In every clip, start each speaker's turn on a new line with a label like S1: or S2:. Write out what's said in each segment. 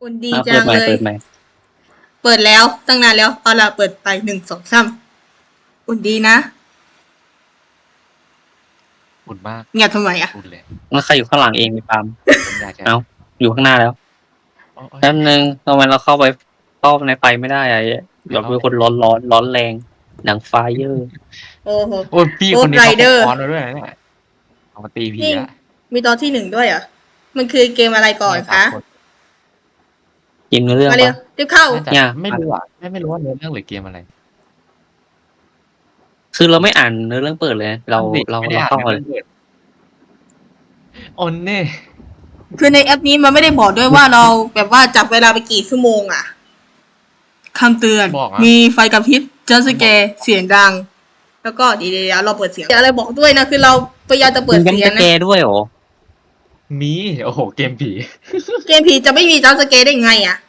S1: อุ่นดี
S2: อ่ะ
S1: จังเลย
S2: เปิดใหม่
S1: เปิดแล้วตั้งนานแล้วเอาล่ะเปิดไป1 2 3อุ่นดีนะ
S3: อุ่นมาก
S1: เงียบทำไมอ่ะ
S3: อุ่นเลย
S2: แล้วใครอยู่ข้างหลังเองมีปาล์ม
S3: ผมอยากจะ
S2: เอ้าอยู่ข้างหน้าแล้ว
S3: โอ้ย
S2: แป๊บนึงทำไมเราเข้าในไฟไม่ได้อะเราเป็นคนร้อนแรงหนังไฟเยอร์
S1: โอ้โห
S3: โอ้ยพี่
S1: Ghost
S3: คนนี้เขา
S1: Rider
S3: ค้อนมาด้วยนะเนี่ยเอามาตีผี
S1: นี่
S3: อะ
S1: มีตอนที่1ด้วยเหรอมันคือเกมอะไรก่อน
S3: เนี่ย
S1: คะ
S3: 3 คน
S2: กินเรื่อง
S1: มาเร็ว
S2: ปะ
S1: รีบเข้า
S3: น่าจะ
S2: เนี่ย
S3: ไม่รู้อ่ะไม่รู้ว่าเนื้อเรื่องหรือเกมอะไร
S2: คือเราไม่อ่านเนื้อเรื่องเปิดเลยนะเรา
S3: ไม่ได้อ่าน
S2: เข้ามา
S3: เนื้
S2: เล
S3: อย เรื่องโอนเน่
S1: คือในแอปนี้มันไม่ได้บอกด้วยว่าเราแบบว่าจับเวลาไปกี่ชั่วโมงอ่ะคำเตือน
S3: บอกอะ
S1: มีไฟกระพริบจัสแกร์เสียงดัง แล้วก็เดี๋ยวเราเปิดเสียงอะไรบอกด้วยนะคือเราพยายามจะเปิด
S2: มัน
S1: เสียง
S2: จำสแก
S1: นะ
S2: ร์ด้วยเหรอ
S3: มีโอ้โหเกมผี
S1: เกมผีจะไม่มีจัสแกร์ได้ไงอ่ะ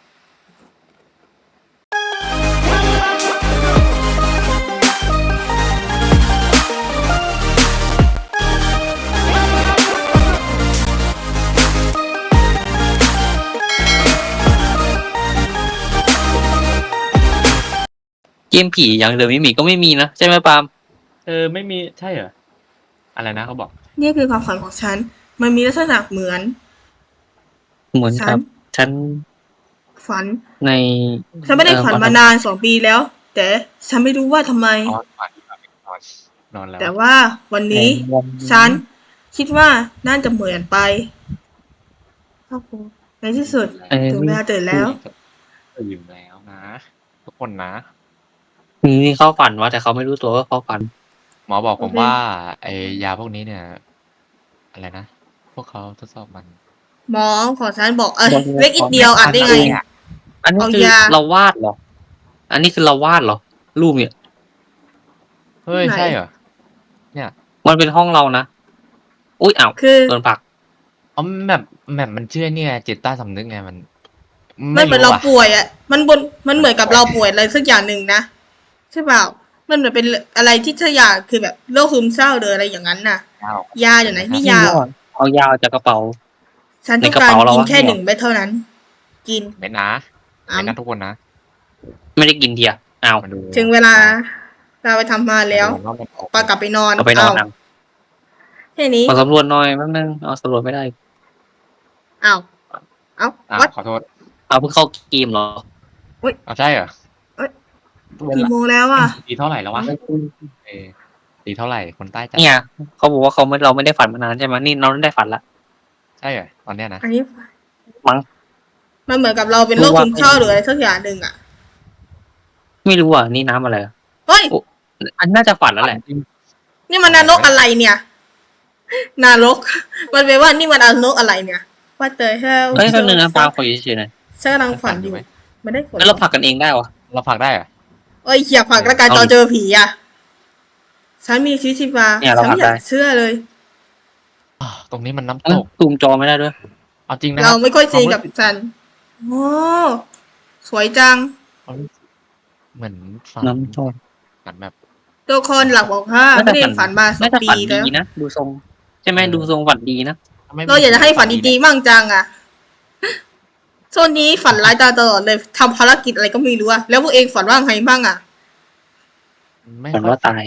S2: เกมผีอย่างเดิมไม่มีก็ไม่มีนะใช่ไหมปาล์ม
S3: ไม่มีใช่เหรออะไรนะเขาบอก
S1: นี่คือความฝันของฉัน มันมีลักษณะเหมือน
S2: เหมือนกับฉัน
S1: ฝัน
S2: ใน
S1: ฉันไม่ได้ฝันมานาน2 ปีแล้ว แต่ฉันไม่รู้ว่าทำไม
S3: นอนฝันนอนแล้ว
S1: แต่ว่าวันนี้ ฉันคิดว่าน่าจะเหมือนไปครับผมในที่สุดถึงเวลาตื่นแล้ว
S3: ตื่นแล้วนะ ทุกคนนะ
S2: นี่เข้าฝันวะแต่เขาไม่รู้ตัวว่าเข้าฝัน
S3: หมอบอกผม
S1: โอเค
S3: ว่าไอยาพวกนี้เนี่ย อะไรนะ พวกเขาทดสอบมัน
S1: หมอของฉันบอกเล็กอีกเดียวอ่านได้ไง
S2: อันนี้คือ
S1: เอายา
S2: เราวาดเหรอ อันนี้คือเราวาดเหรอรูปเนี่ย
S3: เฮ้ย
S1: ไหน
S3: ใช่เหรอ เนี่ย
S2: มันเป็นห้องเรานะอุ้ยอ้าว
S1: คือ
S2: โดนผลัก
S3: อ๋อแบบมันเชื่อเนี่ยจิตใต้สำนึกไงมัน
S1: มันเหมือนเราป่วยอ่ะ มันเหมือนกับเราป่วยอะไรสักอย่างหนึ่งนะใช่เปล่า มันเหมือนเป็นอะไรที่ถ้าอยากคือแบบโรคซึมเศร้าหรืออะไรอย่างนั้นน่ะ ยาอยู่ไหนนี่ยา
S2: เอายาออกจากกระเป๋า
S1: ฉันต้อง
S2: ในกระ
S1: การ
S2: เป๋าเรา
S1: กิน
S2: วะ
S1: แค่
S2: เนี่ย
S1: 1 เม็ดเท่านั้น กิน
S3: ไม่นะไม่นะทุกคนนะ
S2: ไม่ได้กินเทียอ้าว
S3: มาดู
S1: ถึงเวลาเราไปทำมาแล้ว
S3: มาดูว่ามันออก
S1: ปากลับไปนอน
S2: เราไปนอน
S1: เา
S2: อ่ะ
S1: แค่นี้
S2: มาสำรวจหน่อยแป๊บนึงเอาสำรวจไม่ได้
S1: อ้าวเอ้า
S3: อ่ะ
S1: วัด
S3: ขอโทษ
S2: เอาเพิ่งเข้าเกมเหรอ
S3: เอาใช่เหรอ
S1: เอ้ย
S3: เว
S1: กี่
S3: ลา
S1: โมงแล้วอ่ะ
S3: ตีเท่าไหร่แล้ววะตีเท่าไหร่คนใต้จัด
S2: เนี่ยเขาบอกว่าเราไม่ได้ฝันมานานใช่ไหมนี่เราได้ฝันละ
S3: ใช่เหรอตอนเนี้ยนะ
S1: อันนี้
S2: มั้ง
S1: มันเหมือนกับเราเป็นโรคซึมเศร้าหรืออะไรสักอย่างหนึ่งอ่ะ
S2: ไม่รู้อ่ะนี่น้ำอะไรอ่ะ
S1: เฮ้ย
S2: อันน่าจะฝันแล้วแหละ
S1: นี่มันนรกอะไรเนี่ยนรก มันเป็นว่านี่มันนรกอะไรเนี่ย What the hell
S2: เฮ้ยแป๊บนึงนะปาขออยู่เฉยๆหน่อย
S1: ฉันกำลังฝันอยู่
S3: ไหม
S1: ไม่ได้ฝน
S2: แล้วเราผลักกันเองได้วะ
S3: เราผลักได้เหรอ
S1: เอ้ยอย่าผลักแล้วกัน
S2: เอา
S1: ตอน
S2: ดิ
S1: เจอผีอ่ะ ฉันมีชีวิตชีวา
S2: เนี่ยเรา
S1: ฉันไม่อยาก
S2: ผลักได้
S1: เชื่อเลย
S3: ตรงนี้มันน้ำ
S2: เอ้
S3: ต
S2: ย
S3: ก
S2: ซูมจอไม่ได้ด้วย
S3: เอาจริงนะ
S1: เราไม่ค่อยจริงกับฉันโอ้สวยจัง
S3: เหมือนฝัน
S2: น้ำจอ
S3: ฝันแบบ
S1: ตัวละครหลักบอกว่าไม่ได้ฝันมา2
S2: น่าจะ
S1: ปี
S2: ฝัน
S1: แล้ว
S2: ดีนะดูทรงใช่ไหมดูทรงฝันดีนะ
S1: เราอยากจะให้ฝันดีๆมั่งจังอ่ะโซนนี้ฝันร้ายตลอดเลยทำภารกิจอะไรก็ไม่รู้อะแล้วพวกเองฝันว่าไงบ้างอ่ะ
S3: ไม่
S2: ฝัน
S3: ค่อย
S2: ว่าตาย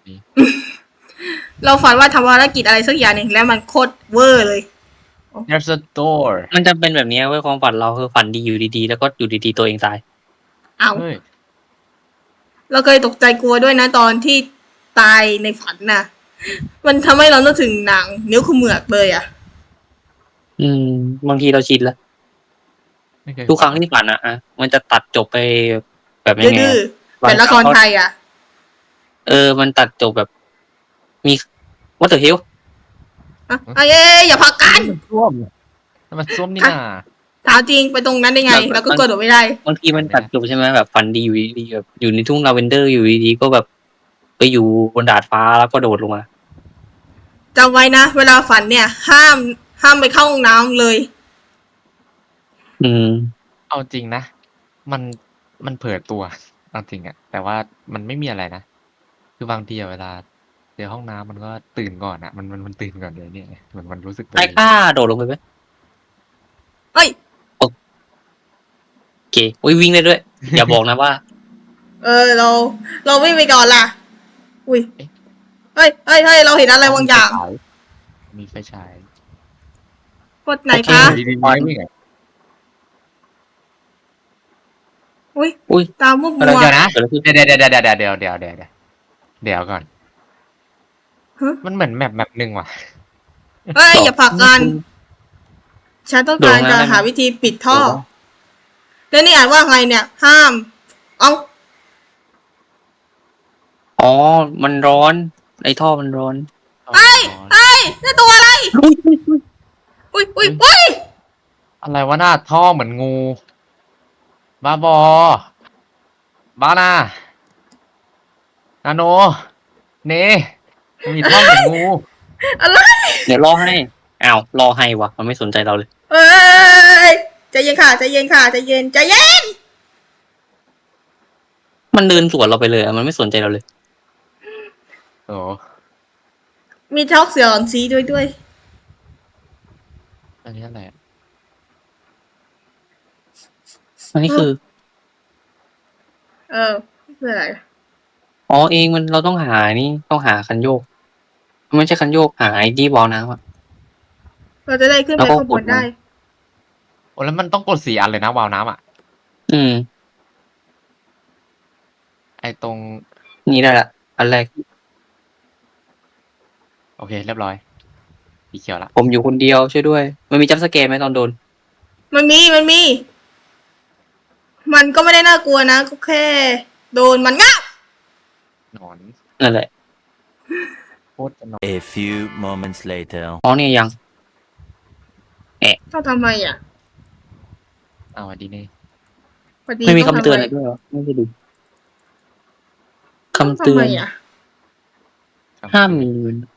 S1: เราฝันว่าทำภารกิจอะไรสักอย่างหนึ่งแล้วมันโคตรเวอร์เลย
S3: There's a door
S2: มันจะเป็นแบบนี้เว้ยความฝันเราคือฝันดีอยู่ดีๆ แล้วก็อยู่ดีๆตัวเองตาย
S1: เอา
S3: เฮ้ย
S1: เราเคยตกใจกลัวด้วยนะตอนที่ตายในฝันน่ะ มันทำให้เรานึกถึงหนังนิ้วขมือกเลยอ่ะ
S2: บางทีเราชินแล้ว
S3: ไม่เคย
S2: ทุกครั้งที่ฝันอะมันจะตัดจบไปแบบยังไง
S1: ดื้อ
S2: อะ
S1: ๆเป็นละครไทยอ่ะ
S2: มันตัดจบแบบ มีวัตถุเฮล
S1: อ่ะเอ้ยอย่าพักกัน
S3: มันส้วมมันส้วมนี่นา
S1: ถามจริงไปตรงนั้นได้ไง แล้วก็กระโดดไม่ได้
S2: บางทีมันตัดจบใช่ไหมแบบฝันดีอยู่ดีๆแบบอยู่ในทุ่งลาเวนเดอร์อยู่ดีๆก็แบบไปอยู่บนดาดฟ้าแล้วก็โดดลงมา
S1: จำไว้นะ เวลาฝันเนี่ย ห้ามไปเข้าห้องน้ำเลย
S3: เอาจริงนะ มันเผลอตัวเอาจริงอะแต่ว่ามันไม่มีอะไรนะ คือบางทีอะเวลาเจอห้องน้ำมันก็ตื่นก่อนอะมันตื่นก่อนเลยเนี่ยเหมือนมันรู้สึกตัว
S2: ไอ้
S3: เอง
S2: ข้าโดดลงไปไหม
S1: เอ้ย
S2: เคอุ้ยวิ่งได้ด้วย อย่าบอกนะว่า
S1: เราวิ่งไปก่อนล่ะ อุ้ย เฮ้ยเราเห็นอะไรบางอย่าง
S3: มีไฟฉาย
S1: กดไหน
S2: โอเค
S1: คะ
S3: ดีๆวิ่งอ่ะ
S1: อุ้ย
S2: อุ้ย
S1: ตามมุกมั
S3: เดี๋ยว
S1: ว
S3: นะ
S2: เกิดอะไรขึ้น
S3: เดี๋ยวก่อน
S1: ฮะ
S3: มันเหมือนแมปหนึ่งว่ะ
S1: เฮ้ย อย่าผลักกัน ฉันต้องการจะหาวิธีปิดท่อ แล้วนี่อ่านว่าไงเนี่ย ห้าม เอา
S2: อ๋อ มันร้อน ไอ้ท่อมันร้อน
S1: เฮ้ยนี่ตัวอะไร อุ้ย
S3: อะไรวะหน้าท่อเหมือนงู บ้าบอ บ้านานาโน เนมีท่อเหมือนงู
S1: อะไร
S2: เดี๋ยวรอให้ อ้าว รอให้วะ มันไม่สนใจเราเลย
S1: เอ้ยใจเย็นค่ะ ใจเย็น
S2: มันเดินสวนเราไปเลยอะมันไม่สนใจเราเลย
S3: โอ้
S1: มีช็อกเสียงสีด้วย
S3: อันนี้อะไรอะ
S2: อันนี้คือ
S1: คืออะไร
S2: อ๋อเองมันเราต้องหานี่ต้องหาคันโยก ไม่ใช่คันโยกหาไอ้ที่วอลน้ำอ่ะ
S1: เราจะได้ขึ้นไป
S2: แล้วก็
S1: ข้างบ
S2: ก
S1: น
S2: ด
S1: ได้
S3: โอ้แล้วมันต้องกด4 อันเลยนะวาล์วน้ำอ่ะ
S2: อืม
S3: ไอตรง
S2: นี่ได้ละอันแรก
S3: โอเค เรียบร้อยสีเขียวละ
S2: ผมอยู่คนเดียวช่วยด้วย มันมีจัมป์สแกร์ไหมตอนโดน
S1: มันมี มันก็ไม่ได้น่ากลัวนะ ก็แค่ โดนมันงับ
S3: หนอน
S2: นั่นแหละ
S3: โคตรจะหนอน
S4: A few moments later.
S2: อ๋อเนี่ยยัง
S1: ต้องทำไมอ่ะ
S3: เอาอันนี้นี่
S1: พอดี
S2: ไม่มี
S1: ต้อง
S2: คำเตือน
S1: ทำ
S2: อะไรด้วยเหรอไม่ได้ดู
S1: ต้อง
S2: คำเตือน
S1: ทำไมอ่ะ
S2: ห้ามมี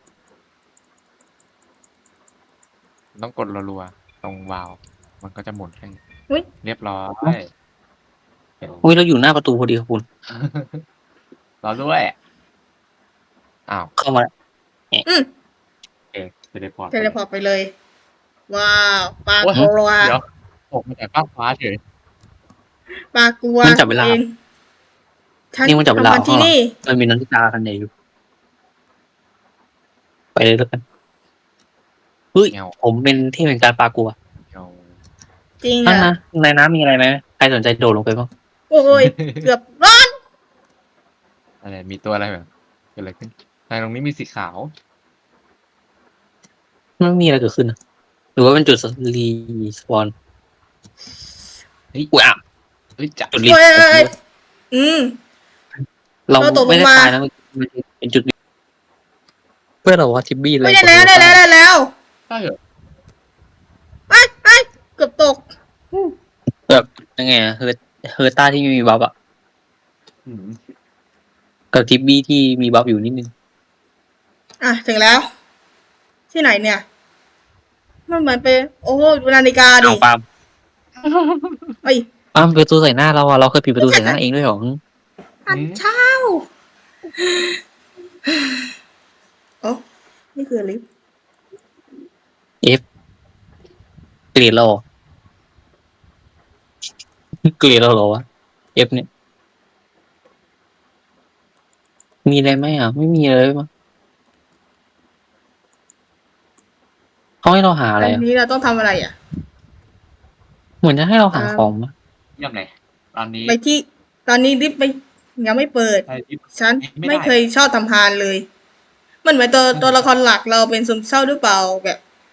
S3: ต้องกดรัวๆตรงวาล์วมันก็จะหมุนให้
S1: อุ๊ย
S3: เรียบร้อย
S2: อุ้ยเราอยู่หน้าประตูพอดีครับคุณ
S3: รอด้วยอ้าว
S2: เข้ามาแล้ว
S1: อืม
S3: โอเคเทเลพอร์ต
S1: เทเลพอร์ตไปเลย ว้าวปลา
S3: โอ้ย
S1: กลัว
S3: เดี๋ยวผมมาจากฟ้ากฟ้าเฉย
S1: ปลากลัว
S2: มันจับเวลา
S1: องฉัน
S2: นี่มันจับเวลา
S1: ทำงานที่นี่
S2: มันมีนันทิตาคันใหญ่อยู่ ไปเลยแล้วกันเฮ้ย
S3: เงา
S2: ผมเป็นเทพแห่งการปลากลัว
S3: เงา
S1: จริง
S2: นั่น
S1: อ่ะ
S2: นะในน้ำมีอะไรไหมใครสนใจโดดลงไปบ้าง
S1: โอ้ย เกือบร้อน
S3: อะไรมีตัวอะไรแบบเกิดอะไรขึ้นในตรงนี้มีสีขาว
S2: ไม่มีอะไรเกิดขึ้นนะหรือว่าเป็นจุดรีสปอน
S3: เฮ้ย
S2: อุ้ยอ่ะ
S3: เฮ้ยจับ
S2: จุดรี
S1: โอ้
S2: ส
S1: ย
S2: ปอน
S1: อืม
S2: เรา
S1: เราตกลง
S2: ไม่ได้
S1: มา
S2: ตายนะมันเป็นจุดเพื่อนเราว่าทิบบี้อะไร
S1: ไม่ได้แล้วได้แล้ว
S3: ใช่เหรอ
S1: ไอ้เกือบตก
S2: แบบยังไงอะเฮอร์ต้าที่มีบัฟอะ
S3: อืม
S2: กับทิบบี้ที่มีบัฟอยู่นิดนึง
S1: อ่ะถึงแล้ว ที่ไหนเนี่ย มันเหมือนเป็นโอ้โหดูนาฬิกาดิ
S2: เอาปาล์ม
S1: เอ้ย
S2: ปาล์มประตูใส่หน้าเราอะเราเคยปิดประตูใส่หน้าเองด้วยเหรอ
S1: อันเช้าโอ้นี่คือลิฟต์
S2: เกลียดเราเหรอเกลียดเราเหรอวะเอฟเนี่ย มีอะไรไหมอ่ะ ไม่มีเลยมั้งเขาให้เราหาอะไร
S1: อัน
S2: อ่ะ
S1: นี้เราต้องทำอะไรอ่ะ
S2: เหมือนจะให้เราหาของมั้ย
S3: เยี่ยมเลยตอนนี้
S1: ไปที่ ตอนนี้ลิฟต์ยังไม่เปิด
S3: ใช่ที่
S1: ฉัน
S3: ไม่ได้
S1: ไม่เคยชอบทำพานเลย มันเหมือนตัวละครหลักเราเป็นซึมเศร้าหรือเปล่าแบบ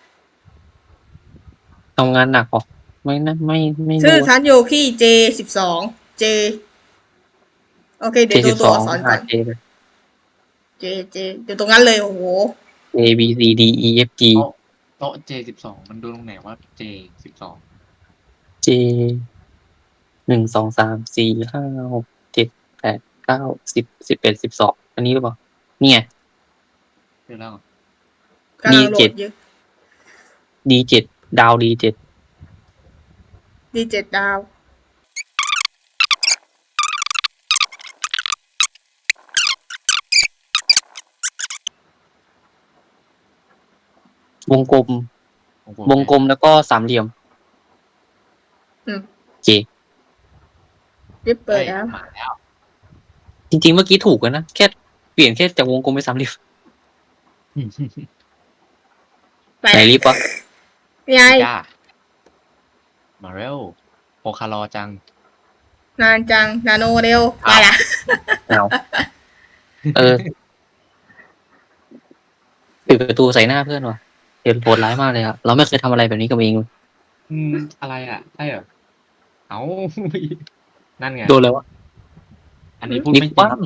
S2: ทำงานหนักเหรอไม่นะไม่
S1: ชื่อ
S2: รู้
S1: ฉันโยคีJ12 J โอเค เดี๋ยว
S2: J
S1: ดู
S2: สิบ
S1: ตั
S2: ส
S1: ว
S2: อง
S1: อักษรก่
S2: หา
S1: อน
S2: J เลย
S1: J เดี๋ยวตรงนั้นเลยโอ้โห
S2: A B C D E F G
S3: โต๊ะ J12 มันดูตรงไหนว่า J12
S2: J 1 2 3 4 5 6 7 8 9 10 11 12อันนี้หรือเปล่านี่ไง
S3: เดี๋ยวแล้ว
S1: กำลังโหล
S2: D7
S1: ดอยู่
S2: D7 ดาว D7
S1: D7 ดาว
S2: วงกลม วงกลมแล้วก็สามเหลี่ยม
S1: อืม
S2: โอเค
S1: ลิฟต์เปิ
S3: เฮ้
S1: ด
S3: ย
S1: แล้ว
S3: มาแล้ว
S2: จริงๆเมื่อกี้ถูกแล้วนะแค่เปลี่ยนแค่จากวงกลมเป็นสามเหลี่ยม
S1: ไป
S2: ไหนลิฟต์วะ
S1: ยาย
S3: จ้ามาเร็วโอคารอจัง
S1: นานจังนาโนเร็วไปละ
S2: เอาเออปิดประตูใส่หน้าเพื่อนวะเดี๋ยวโหดร้ายมากเลยอะเราไม่เคยทำอะไรแบบนี้กับเองเลย
S3: อะไรอ่ะใช่เหรอเอา นั่นไง
S2: โดนแล้ววะ
S3: อันนี้พูด
S2: ลิฟ
S3: ไม่
S2: ต์
S3: จริ
S2: ปั้
S3: ง
S2: ม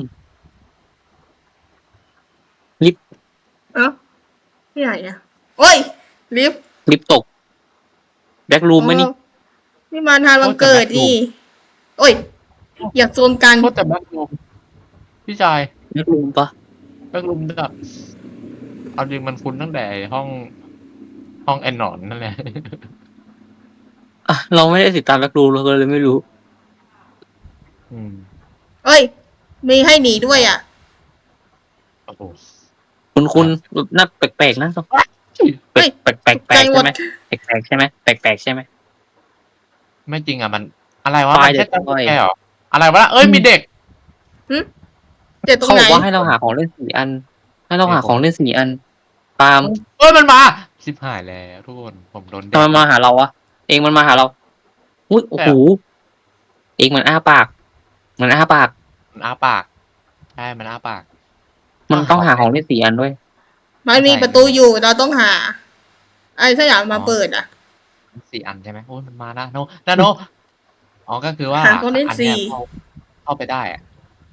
S1: เอ้าที่ไหนอ่ะโอ้ยลิฟต์
S2: ลิฟต์ตกแบ็กรูมไหมนี่
S1: นี่มาทานวันเกิดนี่โอ้ย อย่าโซนกัน
S3: โทษแต่แบ็ครูมพี่ชาย
S2: แบ็กรูมปะ
S3: แบ็ครูมแบบเอาจริงมันคุ้นตั้งแต่ห้องแอนนอนนั่นแหละ
S2: อ่ะเราไม่ได้ติดตามแบ็กรูมเราก็เลยไม่รู้
S3: อืม
S1: เอ้ย มีให้หนีด้วยอ่ะ
S3: โอ้โห
S2: คุณน่าแปลกๆนะแปลกแปลกแปลก
S1: ใจหม
S2: ใช่
S1: ด
S2: ไหมแปลกใช่ไหมแปลกใช่ไหม
S3: ไม่จริงอ่ะมัน อะไรวะ
S2: ไฟล์
S3: มันแค่
S2: เด็ก
S3: จำ
S2: ด้อย
S3: แค่เหรออะไรวะเอ้ยมีเด็ก
S1: เจ็บตรง
S2: เขา
S1: ไห
S2: บ
S1: น
S2: อกว่าให้เราหาของเล่น4 อัน ให้เราหาของเล่น4 อัน ตาม
S3: เอ้ยมันมาชิบหายแล้วทุกคนผมโดนเด็
S2: ทำ
S3: ก
S2: ไมมาหาเราวะเองมันมาหาเราอุ้ยโอ้โหเองมันอ้าปาก มันอ้าปาก
S3: มันอ้าปากใช่มันอ้าปาก
S2: มันต้องหาของเล่น4 อันด้วย
S1: มันมีประตูอยู่เราต้องหาไอ้ถ้าอยากมาเปิดอ่ะ
S3: 4 อันใช่ไหมโอ้ยมันมานะโนนาโนอ๋อก็คือว่า
S1: หาของเล่น
S3: อันเนี้ย
S1: สี่
S3: เข้าไปได้อะ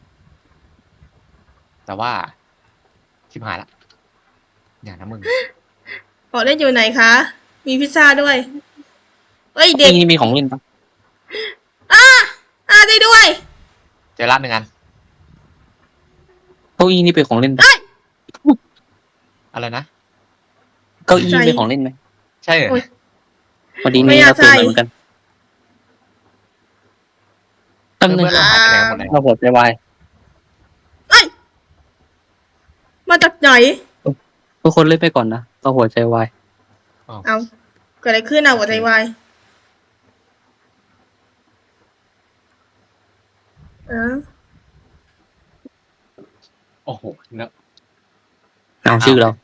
S3: แต่ว่าชิบหายละอย่านะมึง
S1: ขอเล่นอยู่ไหนคะ มีพิซซ่าด้วย เอ้ยเด็ก
S2: นี่มีของเล่นปะ
S1: ได้ด้วย
S3: เจอร้าน1 อัน
S2: เก้าอี้นี่เป็นของเล่นปะ
S3: อะไรนะ
S2: เก้าอี้เป็นของเล่นไหม
S3: ใช่เหรอ
S1: โอ้ย
S2: พอดี
S1: ไม่
S2: นี่
S1: อยา
S2: เรา
S1: ก
S2: เปิด
S1: ใส่
S2: มาเหมือนกันแป๊บนึง
S3: เพื่อนๆเราหายไปไหนหมดเลย
S2: เราหัวใจวาย
S1: มาจากไหน
S2: ทุกคนเล่นไปก่อนนะเราหัวใจวาย
S1: เอาเกิดอะไรขึ้นอ่ะหัวใจวายเออ
S3: โอ้โหเนอะ
S2: เอาชื่อเรา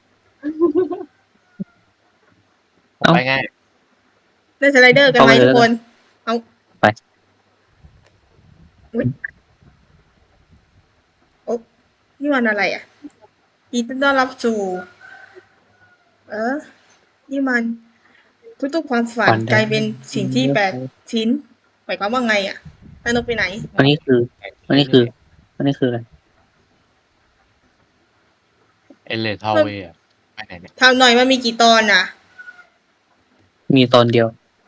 S2: เอ้า
S3: ไปไง
S1: ได้สไลเดอร์กันไหม
S2: เข้าไปเลย
S1: ทุกคน เอา
S2: ไป
S1: อุ๊ยโอ๊ะนี่มันอะไรอ่ะยินดีต้อนรับสู่ นี่มันทุกๆความฝันกลายเป็นสิ่งที่8 ชิ้นหมายความว่าไงอ่ะนายนกไปไหน
S2: อันนี้คืออะไร
S3: เอเลทาวเวย์ไปไหนเนี่ย
S1: ทำหน่อยมันมีกี่ตอนอ่ะ
S2: มีตอนเดียว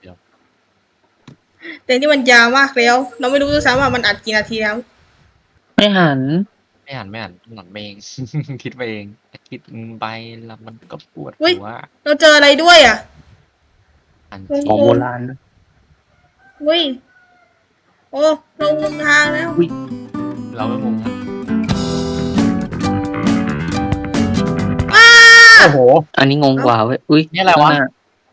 S1: แต่นี่มันยาวมากแล้ว เราไม่รู้ด้วยซ้ำว่ามันอัดกี่นาทีแล้ว
S2: ไม่หัน
S3: ไม่อ่านหนอนเอง คิดไปเองคิดไปแล้วมันก็ปวด
S1: อุ๊ย
S3: หัว
S1: เราเจออะไรด้วยอ่ะ
S3: อัน
S1: โอ้
S2: ของโบราณนะ
S1: อุ้ยโอ้เรางงทางแล้ว
S3: เราไม่งงนะ
S1: อ้า
S3: โอ้โห
S2: อันนี้งงกว่าเว้ยอุ้ย
S3: นี่อะไรวะ
S2: ข้างหน้า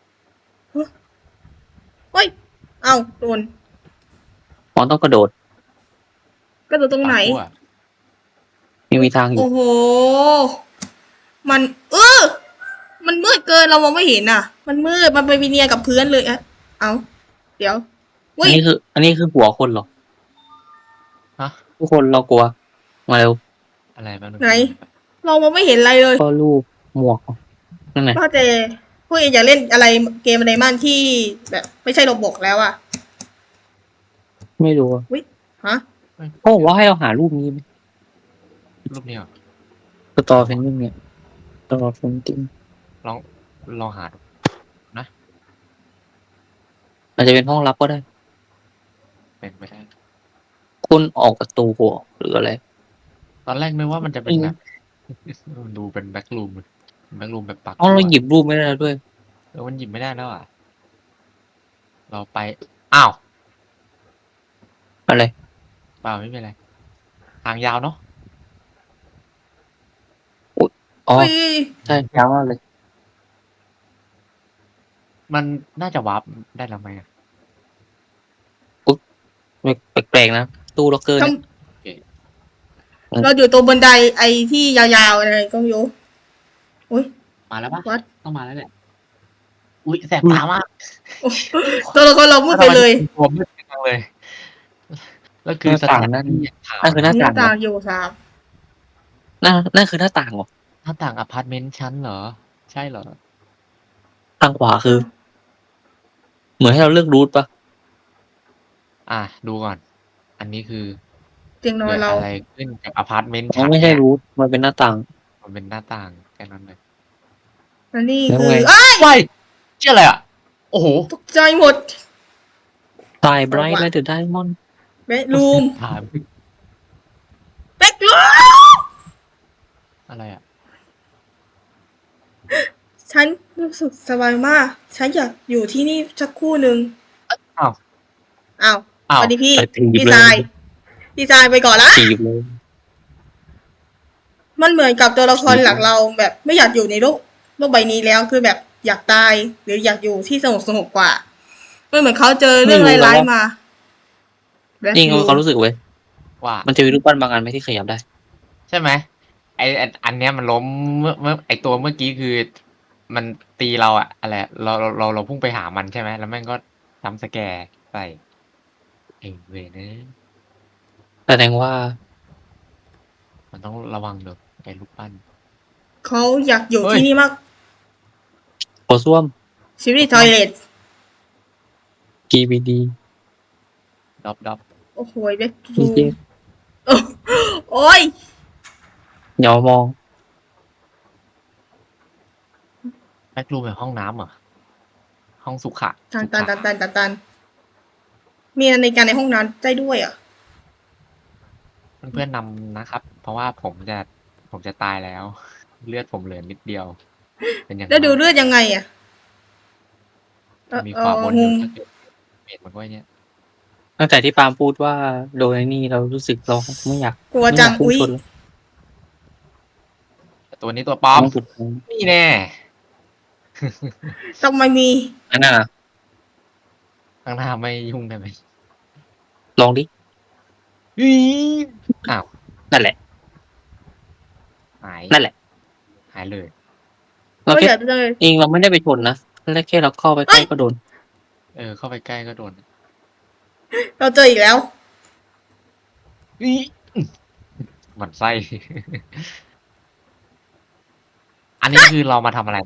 S1: เฮ้ย เอาโดน
S2: อ๋อต้องกระโดด
S1: กระโดดตรงไหน
S3: ปากกลัว
S2: มีทางอยู่
S1: โอ้โห มันมันมืดเกินเรามองไม่เห็นอ่ะ มันมืด มันไปวิเนียกับพื้นเลยอะเอาเดี๋ยว
S2: อั
S1: อุ้
S2: น
S1: ย
S2: นี้คือหัวคนเหรอ
S3: ฮะ
S2: ทุกคนเรากลัว มาเร็ว
S3: อะไรบ้าง
S1: ไหน เรามองไม่เห็นอะไรเลย
S2: ก็รูปหมวกนั่นไง
S1: พ่อเจพวกเองอยากเล่นอะไรเกมอะไรมั่นที่แบบ ไม่ใช่โรบล็อกแล้วอ่ะ
S2: ไม่รู้อะ
S1: ฮะ
S2: เขาบอกว่าให้เราหารูปนี้ไหม
S3: รูปนี้เหรอ
S2: สตอเพนนิ่งเนี่ยสตอเพนติ้ง
S3: ลองหาดู
S2: อาจจะเป็นห้องลับก็ได้
S3: เป็นไม่ได้
S2: คุณออกประตูหัวหรืออะไร
S3: ตอนแรกนึกว่ามันจะเป็นแบบ มันดูเป็นแบ็กรูมแบบปัก
S2: อ๋อเราหยิบรูปไม่ได้แล้วด้วย
S3: มันหยิบไม่ได้แล้วอ่ะ เราไป อ้าว
S2: อะไร
S3: เปล่าไม่เป็นไร ทางยาวเนาะ
S2: อ๋อ
S1: อุ้ย
S2: ใช่ยาวมากเลย
S3: มันน่าจะวาร์ปได้แล้วไหมอะ
S2: แปลกๆนะตู้ล็อกเกอร์
S1: ท
S2: เนี่ย
S1: ำเราอยู่ตรงบันไดไอ้ที่ยาวๆอะไรก็ไม่รู้อุ้ย
S3: มาแล้วปะ
S1: วัด
S3: ต้องมาแล้วแหละอุ้ยแสบตามาก
S1: ตัวละครเรามืดไปเลย
S3: ตัวมืดจังเลยแล้วคือสถานที่ข่าว
S2: นั่นคือหน้า
S1: หน้า
S2: ต่าง
S1: ต่าง
S2: เหรอ
S1: อยู่สาม
S2: นั่นคือหน้าต่างเหรอ
S3: หน้าต่างอพาร์ตเมนต์ชั้นเหรอ ใช่เหรอ
S2: ทางขวาคือ เหมือนให้เราเลือกรูทปะ
S3: ดูก่อน อันนี้คือ
S1: เตียงนอ
S3: เกิ
S1: น
S3: ด
S1: เรา
S3: อะไรขึ้นกับอพาร์ตเมนต์
S2: มัน
S3: ชั้น
S2: ไม่ใช่
S3: เนี่ย
S2: รูทมันเป็นหน้าต่าง
S3: มันเป็นหน้าต่างแค่นั้นเลย
S1: และนี่
S2: แล้ว
S1: คือ
S2: ไง
S1: อ้าย
S3: ว้ายเชื่ออะไรอ่ะ โอ้โห
S1: ตกใจหมด
S2: ตายไบรท์ไลท์เดอะไดมอนด์
S1: เบดรูม
S3: ถาม
S1: เบดรูม
S3: อะไรอ่ะ
S1: ฉันรู้สึกสบายมาก ฉันอยากอยู่ที่นี่สักครู่หนึ่ง
S3: อ้าว
S1: อ้าว
S3: อ้าว
S1: สวัสดีพี่
S2: ไปถีบ
S1: พี่
S2: เล
S1: ชาย
S2: ย
S1: พี่ชายไปก่อนละ
S2: ถีบเลย
S1: มันเหมือนกับตัวละครหลักเราแบบไม่อยากอยู่ในโลกใบนี้แล้วคือแบบอยากตายหรืออยากอยู่ที่สงบกว่ามันเหมือนเขาเจอเรื่องร้ายๆมา
S2: นี่เขาความรู้สึกเว้ย
S3: ว่า
S2: มันจะมีรูปปั้นบางอันไหมที่ขยับได้
S3: ใช่ไหมอันเนี้ยมันล้มเมื่อไอตัวเมื่อกี้คือ มันตีเราอะอะไรเราพุ่งไปหามันใช่ไหมแล้วแม่งก็ทำสแกร์ใส่ไอเวรเนี่ย
S2: แสดงว่า
S3: มันต้องระวังเด้อไอลูกปั้น
S1: เขาอยากอยู่
S3: เฮ้ย
S1: ที่นี่มาก
S2: โอส้วม
S1: ชีวิตทอยเลท
S2: GBD
S3: ดับ
S1: โอ้โหเบด
S2: พี
S1: รู
S2: เจ
S1: มโอ้ย
S2: อย่ามอง
S3: แบ็กรูมแบบห้องน้ำเหรอห้องสุขะ
S1: ตัน
S3: สุ
S1: ตัน
S3: ขะ
S1: ตันตันตันตันมีนาฬิกาในห้องน้ำได้ด้วยอ่ะ
S3: เพื่อนๆนำนะครับ เพราะว่าผมจะตายแล้ว เลือดผมเหลือนิดเดียว เป็นอย่าง
S1: แล้วดู
S3: มาก
S1: เลือดยังไงอ่ะ
S3: มีขวาบนอยู่ถ้าเกิดเห็นมันก็เนี่ย
S2: ตั้งแต่ที่ปาล์มพูดว่าโดยนี่เรารู้สึกเราไม่อยาก
S1: กลัวจัง
S2: ไม่
S1: อุ้ย
S2: อยากพุ่งชนเลย
S3: แต่ตัวนี้ตัวปลอม
S2: ต้องสุดท้าย
S3: นี่แน่
S1: ทำไมมี
S2: อันน่ะ
S3: ข้างหน้าไม่ยุ่งได้ไหม
S2: ลองดิ
S3: อ้าว
S2: นั่นแหละ
S3: หาย
S2: นั่นแหละ
S3: หายเลย
S2: เรา
S1: ก็
S2: แค่
S1: อยากเลย
S2: เองเราไม่ได้ไปชนนะแค่เราเข้าไปใกล้ก็โดน
S3: เข้าไปใกล้ก็โดน
S1: เราเจออีกแล้ว
S3: หมันไส้ อันนี้คือเรามาทำอะไร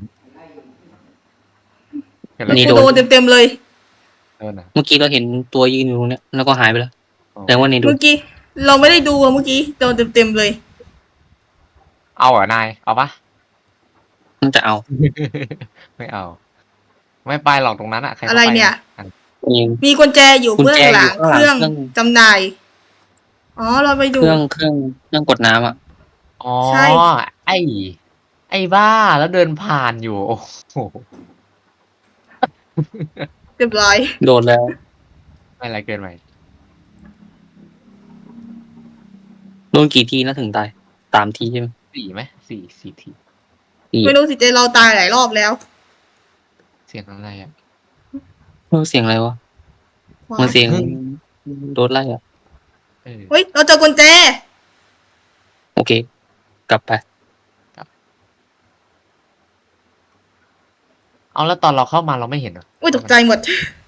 S3: เห็นอะไร
S2: นี่
S1: กูโดนเต็มๆเลย
S3: โดนนะ
S2: เมื่อกี้เราเห็นตัวยืนอยู่ตรงเนี้ยแล้วก็หายไปแล้ว
S3: อ๋อ
S2: แต่ว่านี่ดู
S1: เมื่อกี้ เราไม่ได้ดูอะเมื่อกี้โดนเต็มๆเลย
S3: เอาเหรอนาย เอาปะ
S2: มันจะเอา
S3: ไม่เอา ไม่ไปหรอกตรงนั้นอะใครก็
S1: อะไร
S3: ไป
S1: เนี่ย
S3: อัน
S2: เอง
S1: มีกุญแจอยู่
S2: กุญ
S1: เบื้อ
S2: แจ
S1: งหลัง
S2: อยู่
S1: เค
S2: ข้างหลัง
S1: รื่อง
S2: เครื่อง
S1: จำหน่าย อ๋อ เราไปดู
S2: เครื่องกดน้ำอ่ะ
S3: อ๋อ
S1: ใช่
S3: ไอ้บ้าแล้วเดินผ่านอยู่ โอ้โห
S1: เรียบร้อย
S2: โดนแล้ว
S3: ไม่อะไรเกินไป
S2: โดนกี่ทีนะถึงตาย3 ทีใช่ไหม
S3: 4ไหมสี่ที
S2: 4
S1: ไม่รู้สิเจเราตายหลายรอบแล้ว
S3: เสียงอะไรอ่ะ
S2: เสียงอะไรวะมันเสียงโดนไล่อ่ะ
S1: เฮ้ย เราเจอกุญแจ
S2: โอเค กลับไป
S3: เอาแล้วตอนเราเข้ามาเราไม่เห็นเหรอ
S1: อุ้ยตกใจหมด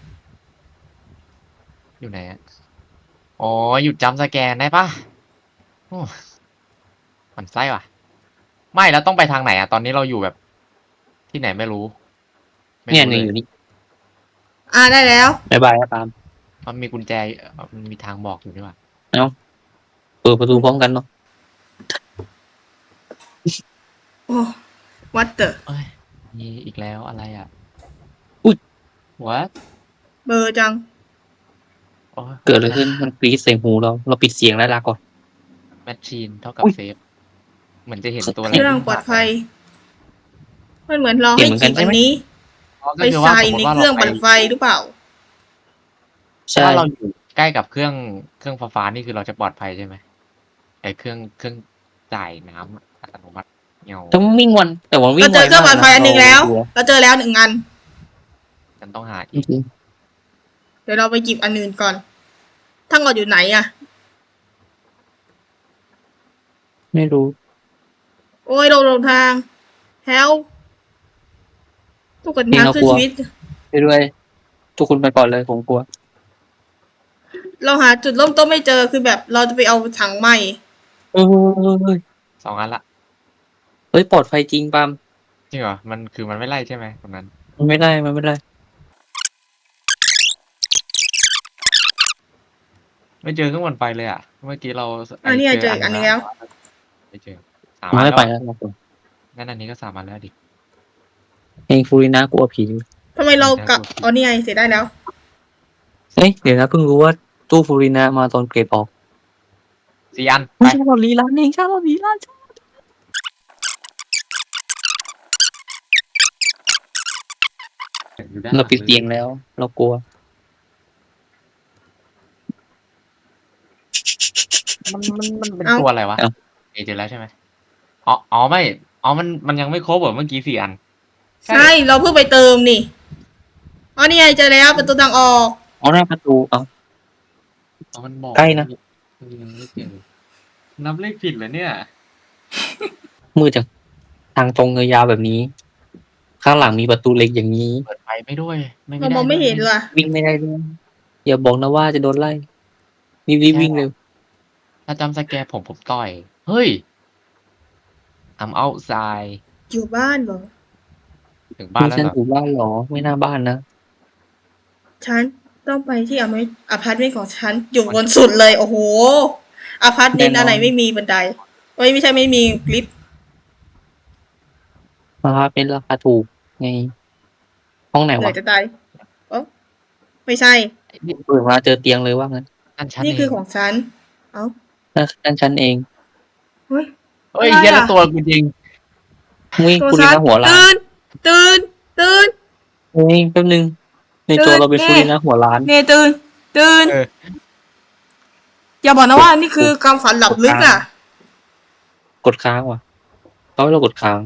S3: อยู่ไหนอ่ะ อ๋อ หยุดจำสแกนได้ปะโอ้หมันไส้ว่ะ ไม่แล้วต้องไปทางไหนอ่ะ ตอนนี้เราอยู่แบบ ที่ไหนไม่รู้ไม่
S2: เนี่ย
S3: รู้
S2: อยู่นี่
S1: ได้แล้ว
S2: บายบายครับปาล์ม
S3: มันมีกุญแจมันมีทางบอกอยู่ด้วยว่ะ
S2: เปิดประตูพร้อมกันเนาะ
S1: โอ้วัดเตอร์
S3: เอ้ยมีอีกแล้วอะไรอ่ะ
S2: อุ๊ย
S3: what
S1: เบอร์จัง
S3: โอ้ย
S2: เกิดอะไรขึ้นมันกรี๊ดใส่หูเราปิดเสียงแล้วลาก่อน
S3: แมชชีนเท่ากับ
S2: อุ๊ย
S3: เซฟ เหมือนจะเห็นตัวอะไร
S1: เครื่องปลอดภัย มันเหมือนเราให้
S2: เห็นเหมือนกั
S1: จิ
S2: น
S1: บ
S2: ใช่
S1: อัน
S2: ไหม
S1: นี้
S3: อ๋อก็
S1: ไป
S3: คือว่า
S1: ใส่
S3: สมม
S1: ใน
S3: ติว่า
S1: เครื่องปั่นไฟหรือเปล่า
S2: ใช่
S3: ถ้าเราอยู่ใกล้กับเครื่องฟ้าๆนี่คือเราจะปลอดภัยใช่ไหมไอ้เครื่องจ่ายน้ำอัตโนมัติเงา
S2: แต่มันวิ่งวันแต่ว่าวิ่
S1: เรา
S2: ง
S1: เจ
S2: ไว
S1: อเครื่อง
S2: มา
S1: ปั่
S2: ก
S1: นไฟอันหนึ่งแล้ว เราเจอแล้ว1 อัน
S3: ฉันต้องหา
S2: จ
S3: อีก
S2: ริง
S1: เดี๋ยวเราไปจิบอันอื่นก่อน ทั้งหมดอยู่ไหนอะ
S2: ไม่รู้
S1: โอ้ยเราหลงทางแฮลทุกคนทางคือชีวิต
S2: ไปด้วยทุกคนไปก่อนเลยผมกลัว
S1: เราหาจุดเริ่มต้นไม่เจอคือแบบเราจะไปเอาถังใหม่
S2: เฮ้ย
S3: 2 อันละ
S2: เฮ้ยปลอดภัยจริงปาล์ม
S3: จริงเหรอมันคือมันไม่ไล่ใช่ไหมตรงนั้น
S2: มันไม่ได้
S3: ไม่เจอเครื่องปั่นไฟเลยอ่ะเมื่อกี้เรา
S1: อันนี้เจออีกอันนึงแล้ว
S3: ไม่เจอ3
S2: มัน
S3: อัน
S2: ไม่
S3: แล้ว
S2: ไป
S3: อะ
S2: แล้วครับผม
S3: งั้นอันนี้ก็3 อันแล้วดิ
S2: เองฟูรินะกลัวผี
S1: ทำไมเรากลับอ๋อนี่ไงเสร็จได้แล้ว
S2: เฮ้ยเดี๋ยวนะเพิ่งรู้ว่าตู้ฟูรินะมาตอนเกรดออก
S3: 4 อันไป
S2: ไม่ใช่เราลีลานเองใช่เราลีลาน
S3: อยู่ด้านห
S2: เรา
S3: ลัง
S2: ปิดเตียงแล้ว เรากลัว
S3: มันเป็น
S1: เอ้า
S3: ตัวอะไรวะ
S2: เอ้า
S3: เจอแล้วใช่ไหมอ๋อไม่มันยังไม่ครบเหรอเมื่อกี้4 อัน
S1: ใช่เราเพิ่งไปเติมนี่อ๋อนี่ไงเจอแล้วประตูทางออก
S2: เอาหน้าประตูเอา
S3: มันบอก
S2: ใกล้นะ
S3: ยังไม่เจอนับเลขผิดเหรอเนี่ย
S2: มือจากทางตรงยาวๆแบบนี้ ข้างหลังมีประตูเล็กอย่างนี้
S3: เปิดไฟไม่ด้วย
S1: เรามองไม่เห็นว่ะ
S2: วิ่งไม่ได้ด้วยอย่าบอกนะว่าจะโดนไล่รีบวิ่งเร็ว
S3: ถ้าจำสแกร์ผมต่อย เฮ้ย I'm outside
S1: อยู่บ้านเหรอ
S3: ถึงบ้านแล้ว
S2: ฉัน
S3: เหรอ
S2: อยู่บ้านเหรอ ไม่น่าบ้านนะ
S1: ฉันต้องไปที่อพาร์ตเมนต์ของฉันอยู่บนสุดเลย โอ้โหอพาร์ตเมนต์
S2: แน่นอน
S1: อะไรไม่มีบันไดเอ้ยไม่ใช่ไม่มีลิฟต์
S2: ราคาเป็นราคาถูกไง ห้องไหน
S1: เหนื่
S2: วะ
S1: อยจะตายเอ้าไม่ใช่
S2: เปิดมาเจอเตียงเลยว่างั้น
S3: นั่นฉัน
S1: นี่
S3: เอ
S1: คือง ของฉัน เอ้า
S2: นั่นฉันเอง
S1: เฮ้ย
S3: เฮ้ย
S1: อะไร
S3: เหี้ยแล้ว
S1: อะ
S3: ตัวกูจริง
S2: มุ้ย
S1: ตัว
S2: คุณ
S1: ฉั
S2: ลี
S1: น
S2: นาหัวล้าน
S1: ตื่น
S2: เฮ้ยแป๊บนึง ในจอเราเป็น
S1: เน่
S2: ฟูรินะหัวล้าน
S1: เนตื่น
S3: เออ
S1: อย่าบอกนะว่านี่คือความฝันหลับลึกอ่ะ
S2: กดค้างว่ะเขาให้เรากดค้าง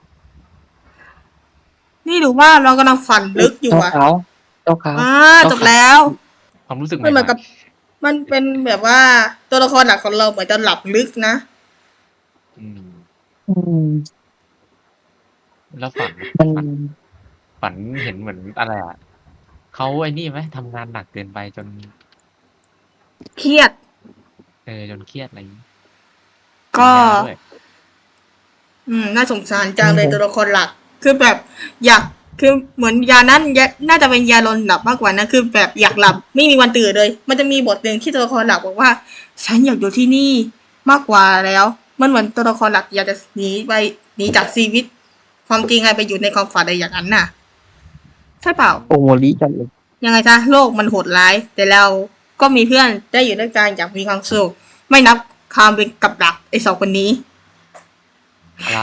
S1: นี่หรือว่าเรากำลังฝันลึกอยู่อ่ะ
S2: เจ้าขาว
S1: จบแล้ว
S3: ความรู้สึกให
S1: มันเหมื
S3: ม่
S1: อนกับ มันเป็นแบบว่าตัวละครหลักของเราเหมือนจะหลับลึกนะ
S3: ๆอืม
S2: อืม
S3: แล้วฝัน
S2: มัน
S3: ฝันเห็นเหมือนอะไรอ่ะเขาไอ้นี่ไหมทำงานหนักเกินไปจน
S1: เครียด
S3: จนเครียดอะไรอย่างงี้
S1: ก็
S3: กินยาด้วย
S1: น่าสงสารจังเลยตัวละครหลัก คือแบบอยาก คือเหมือนยานั้นน่าจะเป็นยาลนหลับมากกว่านะ คือแบบอยากหลับ ไม่มีวันตื่นเลย มันจะมีบทหนึ่งที่ตัวละครหลักบอกว่า ฉันอยากอยู่ที่นี่มากกว่าแล้ว มันเหมือนตัวละครหลักอยากจะหนีจากชีวิต ความจริงไงไปอยู่ในความฝันอะไรอย่างนั้นน่ะ ใช่เปล่า
S2: โอโมริจังเลย
S1: ยังไงซะโลกมันโหดร้าย แต่เราก็มีเพื่อนได้อยู่ด้วยกันอย่างมีความสุขไม่นับความเป็นกับดักไอ้สองคนนี้
S3: อะไร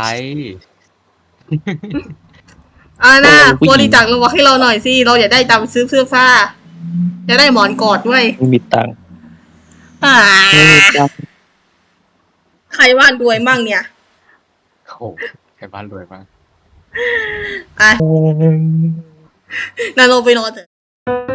S1: นะบริจาคเราให้เราหน่อยสิเราอยากได้ตังค์ซื้อเสื้อผ้าอยากได้หมอนกอดด้วย
S2: ไม่มีตังค์
S1: อ่า
S2: ไม่มีตังค์
S1: ใครว่านรวยมั่งเนี่ย
S3: โอ้โหใครบ้านรวยมาก
S1: อ่ะนาโนไปนอนเถอะ